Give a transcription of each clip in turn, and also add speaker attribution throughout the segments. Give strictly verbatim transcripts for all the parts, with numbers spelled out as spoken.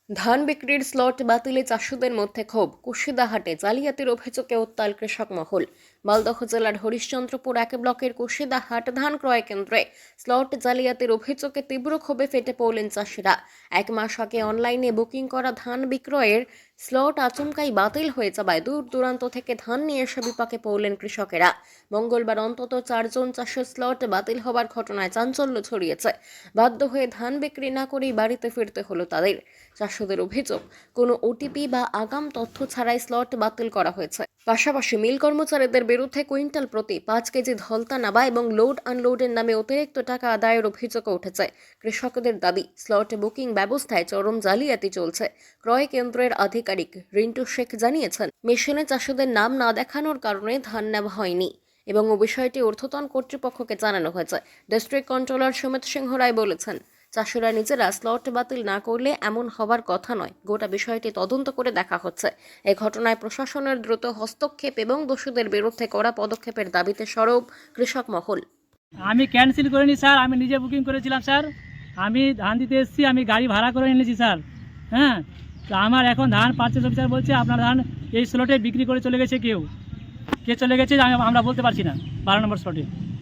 Speaker 1: ধান বিক্রির স্লট বাতিলে চাষিদের মধ্যে ক্ষোভ। কুশিদাহাটে জালিয়াতির অভিযোগে উত্তাল কৃষক মহল। মালদহ জেলার হরিশ্চন্দ্রপুর এক ব্লকের কুশিদাহাট ধান ক্রয় কেন্দ্রে স্লট জালিয়াতির অভিযোগে তীব্র ক্ষোভে ফেটে পড়লেন চাষিরা। এক মাস আগে অনলাইনে বুকিং করা ধান বিক্রয়ের স্লট আচমকাই বাতিল হয়ে যাওয়ায় দূর দূরান্ত থেকে ধান নিয়ে এসে বিপাকে পড়লেন কৃষকেরা। মঙ্গলবার অন্তত চারজন চাষের স্লট বাতিল হওয়ার ঘটনায় চাঞ্চল্য ছড়িয়েছে। বাধ্য হয়ে ধান বিক্রি না করেই বাড়িতে ফিরতে হলো তাদের। চাষিদের অভিযোগ, কোনো ওটিপি বা আগাম তথ্য ছাড়াই স্লট বাতিল করা হয়েছে। পাশাপাশি মিল কর্মচারীদের বিরুদ্ধে কুইন্টাল প্রতি পাঁচ কেজি ধলতা নেওয়া এবং লোড আনলোডের নামে অতিরিক্ত টাকা আদায়ের অভিযোগ উঠেছে। কৃষকদের দাবি, স্লট বুকিং ব্যবস্থায় চরম জালিয়াতি চলছে। ক্রয় কেন্দ্রের আধিকারিক রিন্টু শেখ জানিয়েছেন, মেশিনে চাষিদের নাম না দেখানোর কারণে ধান নেওয়া হয়নি এবং ও বিষয়টি ঊর্ধ্বতন কর্তৃপক্ষকে জানানো হয়েছে। ডিস্ট্রিক্ট কন্ট্রোলার সুমিত সিংহ রায় বলেছেন, চাষিরা নিজেরা স্লট বাতিল না করলে এমন হওয়ার কথা নয়। গোটা বিষয়টি তদন্ত করে দেখা হচ্ছে। এই ঘটনায় প্রশাসনের দ্রুত হস্তক্ষেপ এবং দোষীদের বিরুদ্ধে কড়া পদক্ষেপের দাবিতে সরব কৃষক মহল।
Speaker 2: আমি ক্যান্সেল করিনি স্যার, আমি নিজে বুকিং করেছিলাম স্যার। আমি ধান দিতে এসেছি, আমি গাড়ি ভাড়া করে এনেছি স্যার। হ্যাঁ, তো আমার এখন ধান পারচেজ অফিসার বলছে আপনার ধান এই স্লটে বিক্রি করে চলে গেছে। কেউ কে চলে গেছে আমি- আমরা বলতে পারছি না। বারো নম্বর স্লটে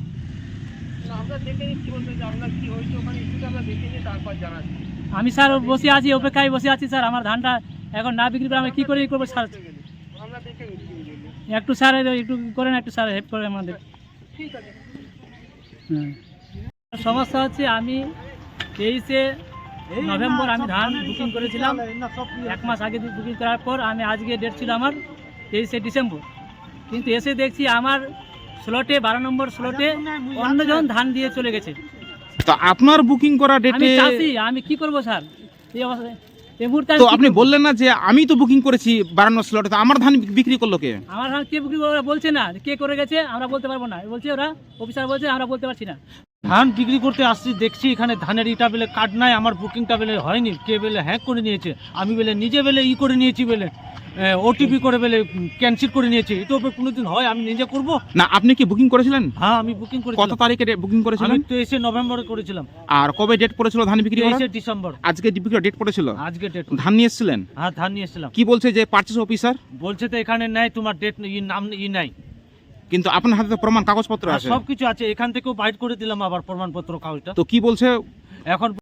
Speaker 2: আমি স্যার বসে আছি, অপেক্ষায় বসে আছি স্যার। আমার ধানটা এখন না বিক্রি করে আমি কী করে করবো স্যার? একটু স্যার একটু করেন, একটু স্যার হেল্প করেন আমাদের। হ্যাঁ, সমস্যা হচ্ছে আমি তেইশে নভেম্বর আমি ধান বুকিং করেছিলাম। এক মাস আগে বুকিং করার পর আমি আজকে ডেট ছিল আমার তেইশে ডিসেম্বর, কিন্তু এসে দেখছি আমার স্লটে বারো নম্বর স্লটে অন্যজন ধান দিয়ে চলে গেছে।
Speaker 3: তো আপনার বুকিং করা
Speaker 2: আমি
Speaker 3: ডেটে
Speaker 2: চাষি, আমি কি করবো স্যার এই অবস্থায়? এই মুহূর্তে আমি
Speaker 3: তো
Speaker 2: কি
Speaker 3: আপনি
Speaker 2: করবো?
Speaker 3: বললেন না যে আমি তো বুকিং করেছি বারান্ন স্লটে, তো আমার ধান বিক্রি করলো কে?
Speaker 2: আমার ধান কে বুকিং করে বলছে না, কে করে গেছে আমরা বলতে পারবো না। বলছে ওরা অফিসার বলছে আমরা বলতে পারছি না।
Speaker 4: ধান বিক্রি করতে আসছি, দেখছি এখানে ধানের ইটা বেলে কার্ড নাই, আমার বুকিংটা বেলে হয়নি। কে বেলে হ্যাক করে নিয়েছে, আমি বেলে নিজে বেলে ই করে নিয়েছি, বেলে ওটিপি করে বেলে ক্যান্সেল করে নিয়েছি। এটা উপরে কোনোদিন হয় আমি নিজে করব?
Speaker 3: না, আপনি কি বুকিং করেছিলেন?
Speaker 4: হ্যাঁ, আমি বুকিং
Speaker 3: কত
Speaker 4: করেছিলাম।
Speaker 3: তারিখে বুকিং করেছিলেন?
Speaker 4: আমি তেইশে নভেম্বরে করেছিলাম।
Speaker 3: আর কবে ডেট পড়েছিল ধান বিক্রি করার?
Speaker 4: তেইশে ডিসেম্বর
Speaker 3: আজকে বিক্রি ডেট পড়েছিল,
Speaker 4: আজকে ডেট।
Speaker 3: ধান নিয়ে এসেছিলেন?
Speaker 4: হ্যাঁ, ধান নিয়ে এসেছিলাম।
Speaker 3: কি বলছে যে পারচেজ অফিসার?
Speaker 4: বলছে তো এখানে নাই, তোমার ডেট ই নাম ই নাই।
Speaker 3: কিন্তু আপনার হাতে তো প্রমাণ কাগজপত্র আছে।
Speaker 4: সব কিছু আছে, এখান থেকেও বাইট করে দিলাম আবার প্রমাণপত্র কাগজটা।
Speaker 3: তো কি বলছে
Speaker 4: এখন